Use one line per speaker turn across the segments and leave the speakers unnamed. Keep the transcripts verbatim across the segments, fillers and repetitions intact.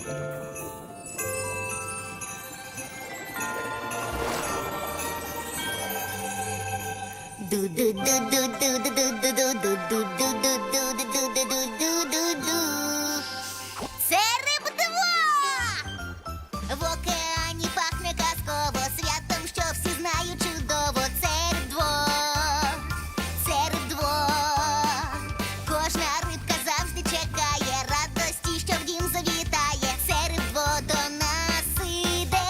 Це риб-два! В океані пахне казково святом, що всі знають чудово. Це риб-два, це риб-два. Кожна рибка завжди чекає радості, що в дім завітає. Це риб-два до нас іде.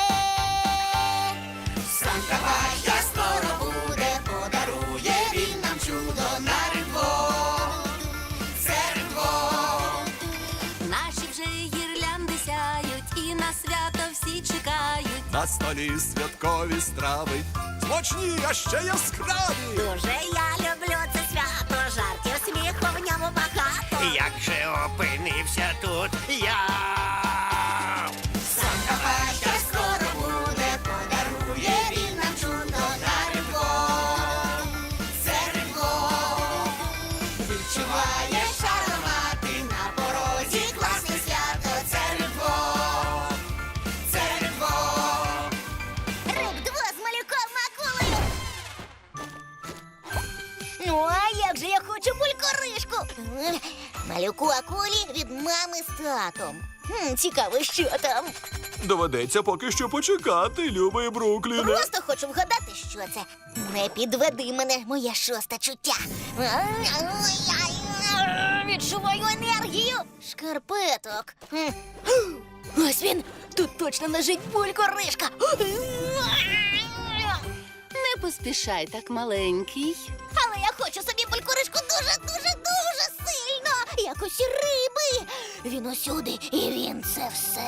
Санта-Пашка скоро буде, подарує він нам чудо на риб-два. Це риб-два.
Наші вже гірлянди сяють, і на свято всі чекають.
На столі святкові страви, смачні, а ще яскраві.
Дуже я люблю це свято, жартів, сміху в ньому багато.
Як же опинився тут я?
Санта-Пашка скоро буде, подарує він нам чудо на рибо. Це рибо. Відчуваєш аромати на порозі, класне свято. Це рибо. Це рибо. Риб-два з малюком акулею. Ну, а як же я хочу булькоришку? Малюку акулі від мами з татом. Хм, цікаво, що там.
Доведеться поки що почекати, любий Брукліне.
Просто хочу вгадати, що це. Не підведи мене, моє шосте чуття. Відчуваю енергію. Шкарпеток. Хм. Ось він. Тут точно лежить булькоришка.
Не поспішай так, маленький.
Але я хочу собі булькоришку дуже-дуже-дуже сильно. Як усі риби. Він усюди, і він це все.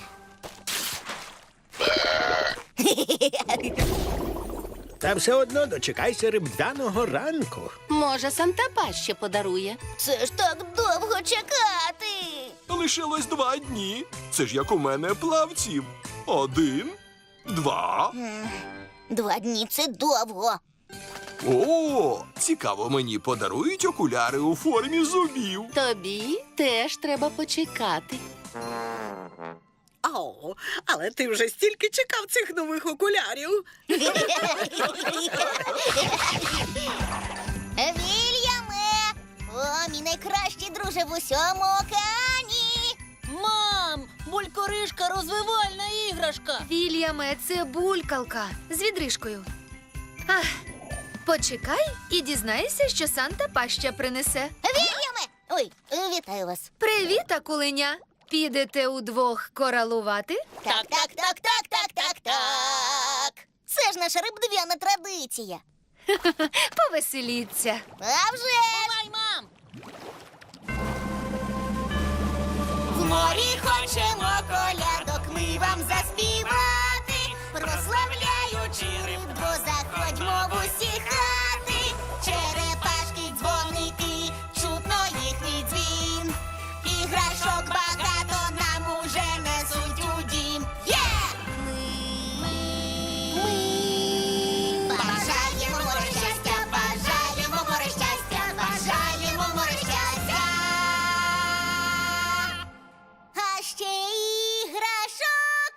Та все одно дочекайся риб'яного ранку.
Може, Санта-Паш ще подарує.
Це ж так довго чекати.
Лишилось два дні. Це ж як у мене плавців. Один, два.
Два дні – це довго.
О, цікаво, мені подарують окуляри у формі зубів.
Тобі теж треба почекати.
Ау, але ти вже стільки чекав цих нових окулярів.
Вільяме! О, мій найкращий друже в усьому океані!
Мам, булькоришка розвивальна іграшка.
Вільяме, це булькалка з відрижкою. Ах, почекай і дізнайся, що Санта-Паш ще принесе.
Вільяме! Ой, вітаю вас.
Привіт, акуленя! Підете удвох коралувати?
Так, так, так, так, так, так, так. Це ж наша рибдвяна традиція.
Повеселіться.
А вже ж!
Бувай, мам!
В морі хочемо колядок ми вам заспівати, прославляючи рибдво, заходьмо в усі хати. Черепашки, дзвоники, чутно їхній дзвін. Іграшок багато нам уже несуть у дім. Є! Ми, ми бажаємо море щастя, бажаємо море щастя, бажаємо море щастя. А ще іграшок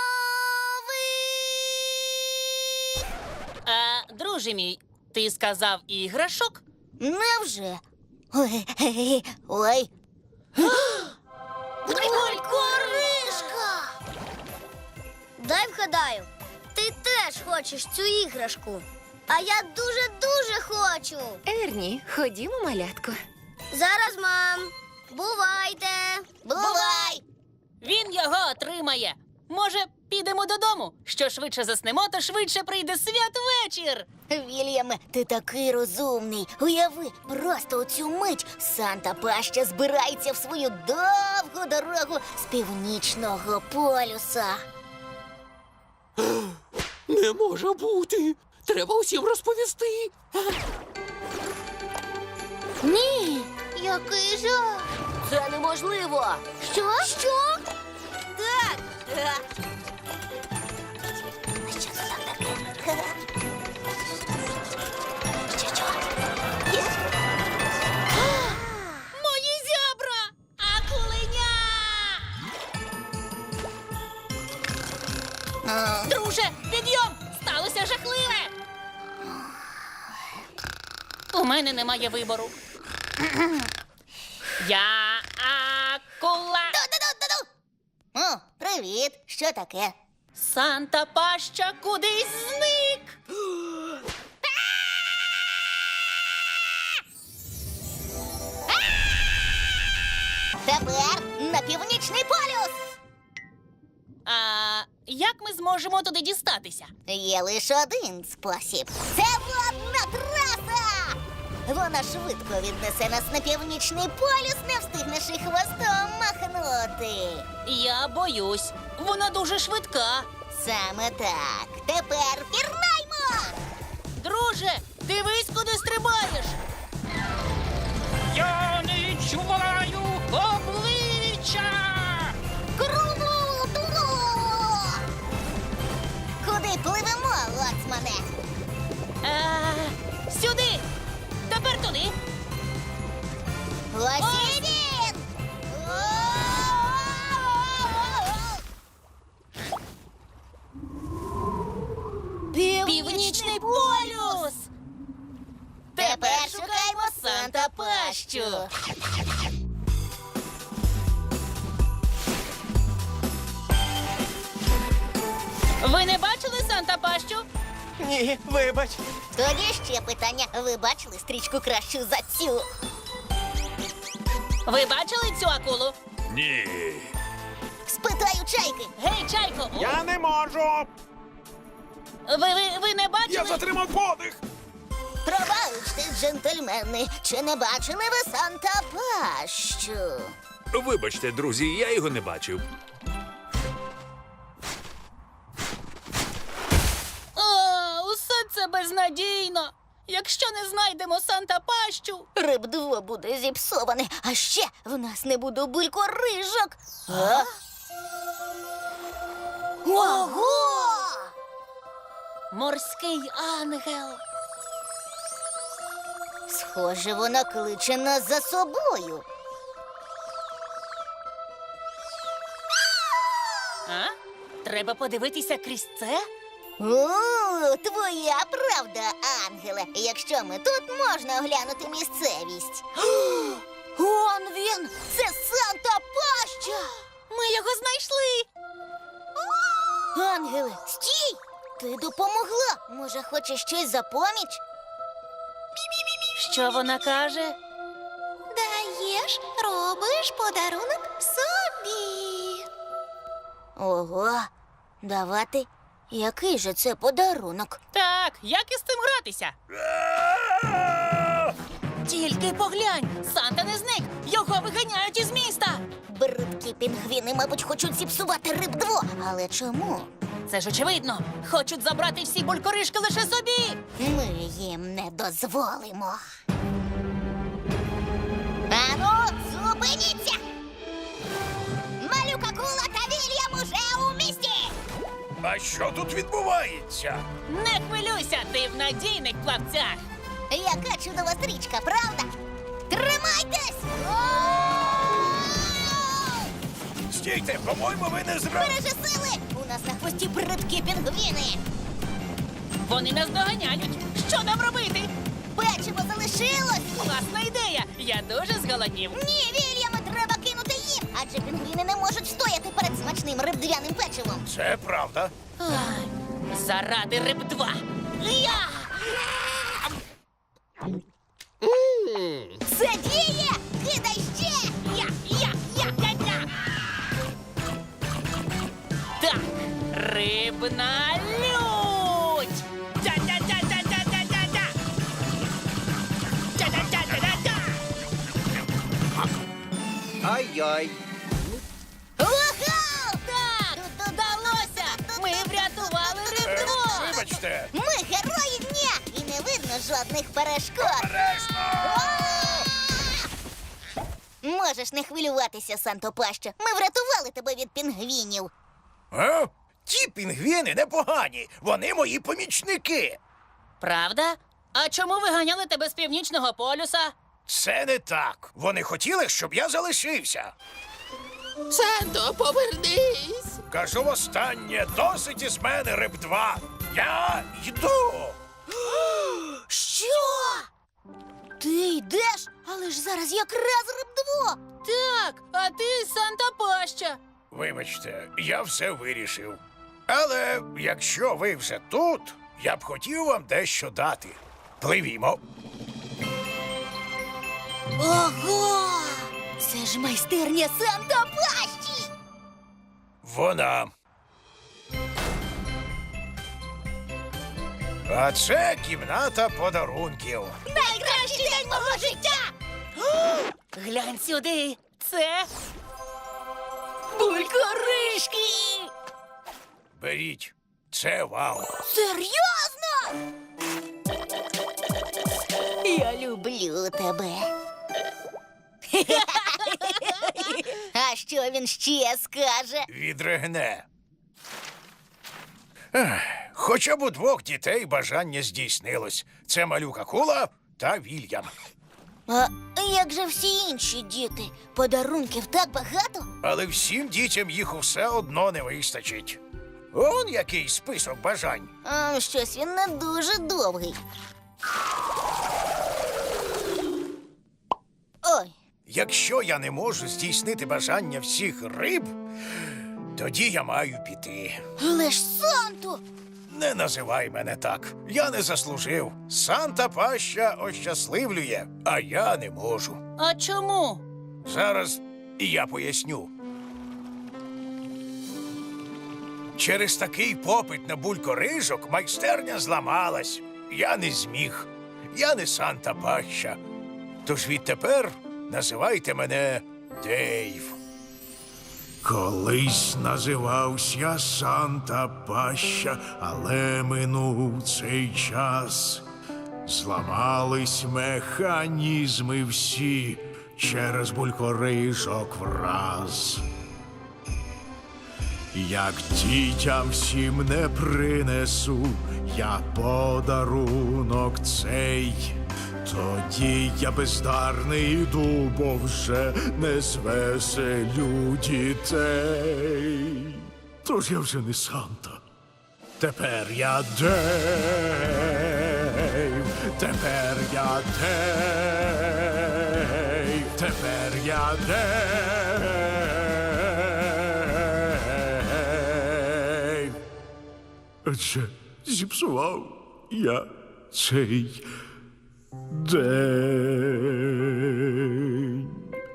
нових.
А, друже мій, ти сказав іграшок?
Невже? Ой, ой. Булькоришка! Дай вгадаю, ти теж хочеш цю іграшку. А я дуже-дуже хочу.
Ерні, ходімо, малятко.
Зараз, мам. Бувайте. Бувай.
Він його отримає. Може, підемо додому? Що швидше заснемо, то швидше прийде святвечір.
Вільяме, ти такий розумний. Уяви, просто у цю мить Санта-Пашка збирається в свою довгу дорогу з північного полюса.
Не може бути. Треба усім розповісти.
Ні, який жах. Це неможливо. Що? Що? Так. Що це там таке? Що, що?
Мої зябра! Акуленя! Друже, підйом! Сталося жахливе! У мене немає вибору. Я акула.
Ду-ду-ду-ду-ду! О, привіт! Що таке?
Санта Паща кудись зник.
Тепер на північний полюс!
А як ми зможемо туди дістатися?
Є лише один спосіб. Це водна траса! Вона швидко віднесе нас на північний полюс, не встигнеш і хвостом махнути.
Я боюсь, вона дуже швидка.
Саме так. Тепер пірнаймо!
Друже, дивись, куди стрибаєш.
Я не відчуваю обличчя!
Круто! Куди пливемо, лоцмане?
А, сюди. Тепер туди.
Ось і він!
Північний полюс.
Тепер шукаємо Санта Пащу.
Ви не бачили Санта Пащу?
Ні, вибач.
Тоді ще питання. Ви бачили стрічку кращу за цю?
Ви бачили цю акулу?
Ні.
Спитаю чайки.
Гей, чайко!
Я не можу.
Ви, ви, ви не бачили?
затримав подих.
Пробачте, джентльмени, чи не бачили ви Санта Пащу?
Вибачте, друзі, я його не бачив.
О, усе це безнадійно. Якщо не знайдемо Санта Пащу.
Рибдво буде зіпсоване, а ще в нас не буде булькорижок. А? Ого!
Морський ангел.
Схоже, вона кличе нас за собою.
А? Треба подивитися крізь це?
О, твоя правда, ангеле. Якщо ми тут, можна оглянути місцевість. Он він! Це Санта Паща!
Ми його знайшли.
Ангеле, стій! Ти допомогла. Може, хочеш щось за поміч?
Що вона каже?
Даєш, робиш подарунок собі. Ого, давати? Який же це подарунок?
Так, як із цим гратися? Тільки поглянь, Санта не зник, його виганяють із міста.
Бридкі пінгвіни, мабуть, хочуть зіпсувати рибдво. Але чому?
Це ж очевидно, хочуть забрати всі булькоришки лише собі.
Ми їм не дозволимо. Ану, зупиніться! Малюка Кула та Вільям уже у місті!
А що тут відбувається?
Не хвилюйся, ти в надійних плавцях.
Яка чудова стрічка, правда? Тримайтесь!
Стійте, по-моєму, ви не зра...
Бережи сили! У нас на хвості бридкі пінгвіни!
Вони нас доганяють. Що нам робити?
Печиво залишилось!
Класна ідея. Я дуже зголоднів.
Ні, Вільяме, треба кинути їм! Адже пінгвіни не можуть стояти перед смачним рибдвяним печивом.
Це правда.
Ай, заради рибдва. Я!
Це діє! Кидай ще!
Я, я, я, я, я. Так, рибна лють. Тя-тя-тя-тя-тя-тя-тя. Тя-тя-тя-тя-тя.
Ай-яй.
Ого!
Так, вдалося. Ми врятували рибдво.
Вибачте.
Ми герої дня! І не видно жодних перешкод! Можеш не хвилюватися, Санто Паща. Ми врятували тебе від пінгвінів.
А? Ті пінгвіни непогані. Вони мої помічники.
Правда? А чому виганяли тебе з північного полюса?
Це не так. Вони хотіли, щоб я залишився.
Санто, повернись!
кажу востаннє, досить із мене риб два. Я йду.
Що? Ти йдеш? Але ж зараз якраз рибдво.
Так, а ти Санта Паща.
Вибачте, я все вирішив. Але якщо ви вже тут, я б хотів вам дещо дати. Пливімо.
Ого! Це ж майстерня Санта Пащі!
Вона. А це кімната подарунків.
Найкращий день мого життя!
Глянь сюди. Це
Булькоришки!
Беріть. Це вам.
Серйозно? Я люблю тебе. А що він ще скаже?
Відригне. Ех, Хоча б у двох дітей бажання здійснилось. Це малюка Кула та Вільям.
А як же всі інші діти? Подарунків так багато?
Але всім дітям їх усе одно не вистачить. Он який список бажань.
А, щось він не дуже довгий. Ой,
Якщо я не можу здійснити бажання всіх риб, тоді я маю піти.
але ж Санту!
Не називай мене так. Я не заслужив. Санта Паща ощасливлює, а я не можу.
А чому?
Зараз я поясню. Через такий попит на булькорижок майстерня зламалась. Я не зміг. Я не Санта Паща. Тож відтепер називайте мене Дейв. Колись називався Санта Паща, але минув цей час. Зламались механізми всі через булькорижок враз. Як дітям всім не принесу я подарунок цей, тоді я бездарний іду, бо вже не звеселю дітей. Тож я вже не Санта. Тепер я Дейв, тепер я Дейв, тепер я Дейв. Адже зіпсував я цей день.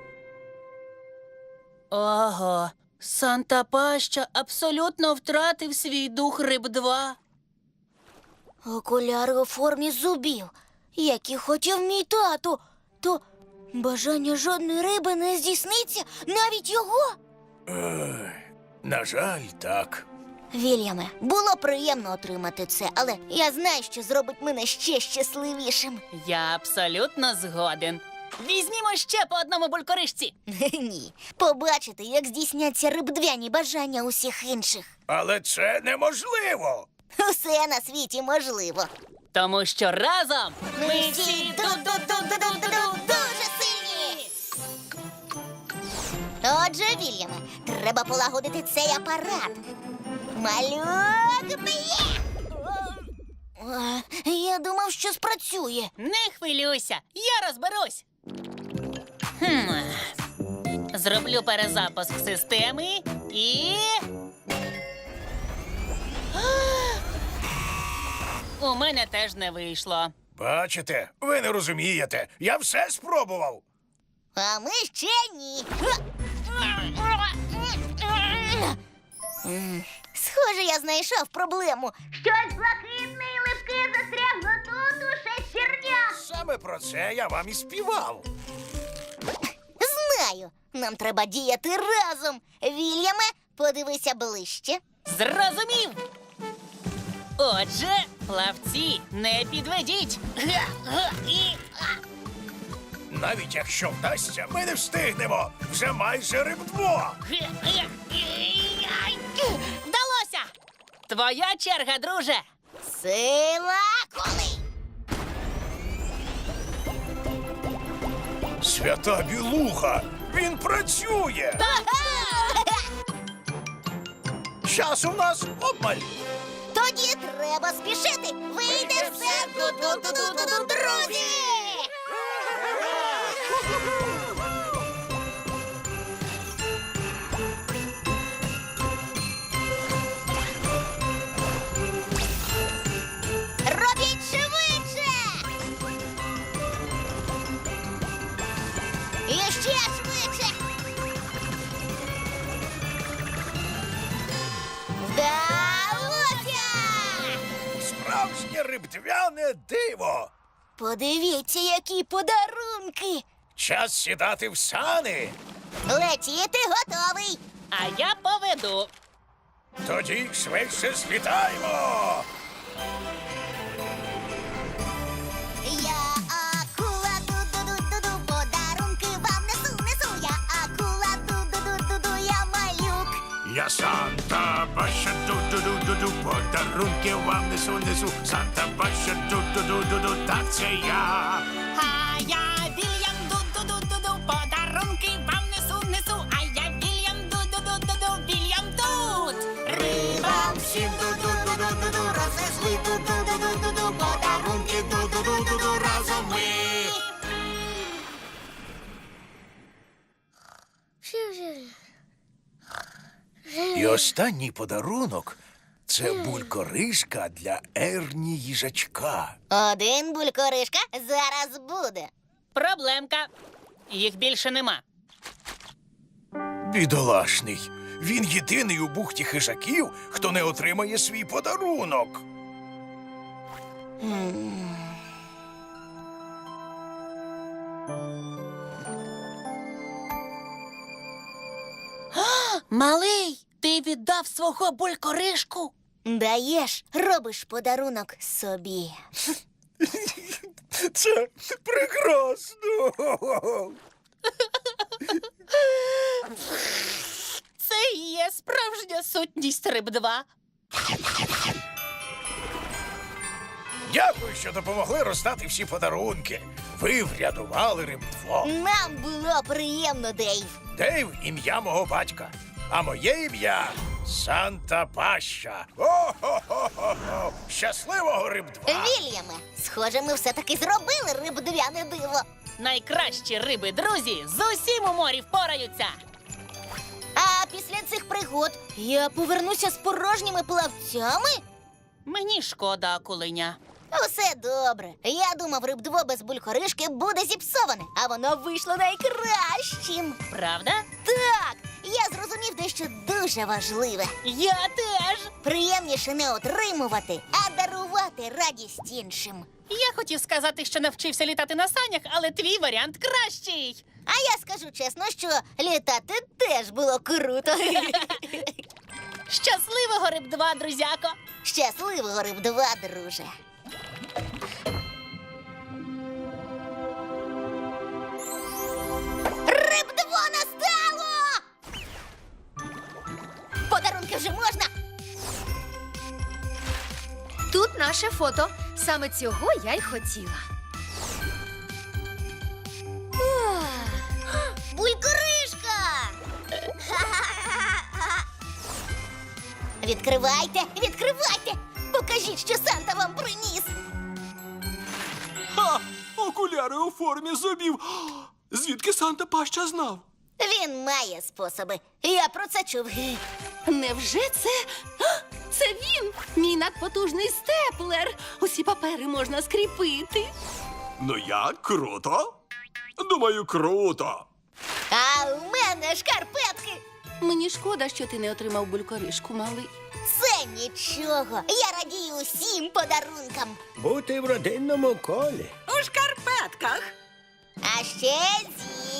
Ого, Санта Паща абсолютно втратив свій дух риб два.
Окуляри у формі зубів, які хотів мій тато. То бажання жодної риби не здійсниться, навіть його.
Ех, на жаль, так.
Вільяме, було приємно отримати це, але я знаю, що зробить мене ще щасливішим.
Я абсолютно згоден. Візьмімо ще по одному булькорижці.
Ні, побачити, як здійсняться рибдвяні бажання усіх інших.
Але це неможливо.
Усе на світі можливо.
Тому що разом
Ми всі ду-ду-ду-ду-ду-ду дуже сильні. Отже, Вільяме, треба полагодити цей апарат. Малюк б'є! О, я думав, що спрацює.
не хвилюйся, я розберусь. Хм. Зроблю перезапуск системи і. У мене теж не вийшло.
Бачите, ви не розумієте. Я все спробував.
А ми ще ні. М, Схоже, я знайшов проблему. Щось блакитне і липке застрягло тут у шестернях.
Саме про це я вам і співав.
Знаю, нам треба діяти разом. Вільяме, подивися ближче.
Зрозумів. Отже, плавці, не підведіть. Га-га, і-
Навіть якщо вдасться, ми не встигнемо. Вже майже рибдво.
га-га, і- ай. Вдалося! Твоя черга, друже.
Сила коли.
Свята білуха! Він працює! Часу в нас обмаль.
Тоді треба спішити. Вийде все, ду-ду-ду-ду-ду, друзі! Робіть швидше! І ще швидше! Вдалося!
Справжнє рибдвяне диво.
Подивіться, які подарунки!
Час сідати в сани.
Летіти готовий!
А я поведу.
Тоді швидше злітаємо.
Я акула, ду-ду-ду-ду-ду, подарунки вам несу, несу. Я акула, ду-ду-ду-ду-ду, я малюк.
Я Санта Паша, ду-ду-ду-ду-ду, подарунки вам несу, несу. Санта Паша, ду-ду-ду-ду-ду, так це я.
А я Вільям ду-ду-ду-ду-ду, подарунки вам несу, несу. А я Вільям ду-ду-ду-ду-ду, Вільям тут.
Рибам всім ду-ду-ду-ду-ду, рознесли ду-ду-ду-ду-ду, подарунки ду-ду-ду-ду, разом ми.
І останній подарунок – це булькоришка для Ерні їжачка.
Один булькоришка зараз буде.
Проблемка. Їх більше нема.
Бідолашний. Він єдиний у бухті хижаків, хто не отримає свій подарунок.
Малий, ти віддав свого булькоришку?
Даєш, робиш подарунок собі.
Це прекрасно.
Це і є справжня сутність риб два.
Дякую, що допомогли роздати всі подарунки. Ви врятували рибдво.
Нам було приємно, Дейв.
Дейв – ім'я мого батька, а моє ім'я – Санта Паща. О-хо-хо-хо-хо! Щасливого рибдва!
Вільяме, схоже, ми все-таки зробили рибдвяне диво.
Найкращі риби, друзі, з усім у морі впораються.
А після цих пригод я повернуся з порожніми плавцями?
Мені шкода, акулиня.
Усе добре. Я думав, рибдво без булькоришки буде зіпсоване, а воно вийшло найкращим.
Правда?
Так, я зрозумів дещо дуже важливе.
Я теж.
Приємніше не отримувати, а дарувати радість іншим.
Я хотів сказати, що навчився літати на санях, але твій варіант кращий.
А я скажу чесно, що літати теж було круто.
Щасливого рибдва, друзяко!
Щасливого рибдва, друже. Рибдво настало! Подарунки вже можна?
Тут наше фото. Саме цього я й хотіла.
Булькоришка! Відкривайте, відкривайте! Покажіть, що Санта вам приніс!
Ха! Окуляри у формі зубів. Звідки Санта Паща знав?
Він має способи. Я про це чув.
Невже це? А, це він! Мій надпотужний степлер! Усі папери можна скріпити.
Ну як, круто? Думаю, круто.
А у мене шкарпетки!
Мені шкода, що ти не отримав булькоришку, малий.
Це нічого. Я радію усім подарункам.
Бути в родинному колі.
У шкарпетках.
А ще зі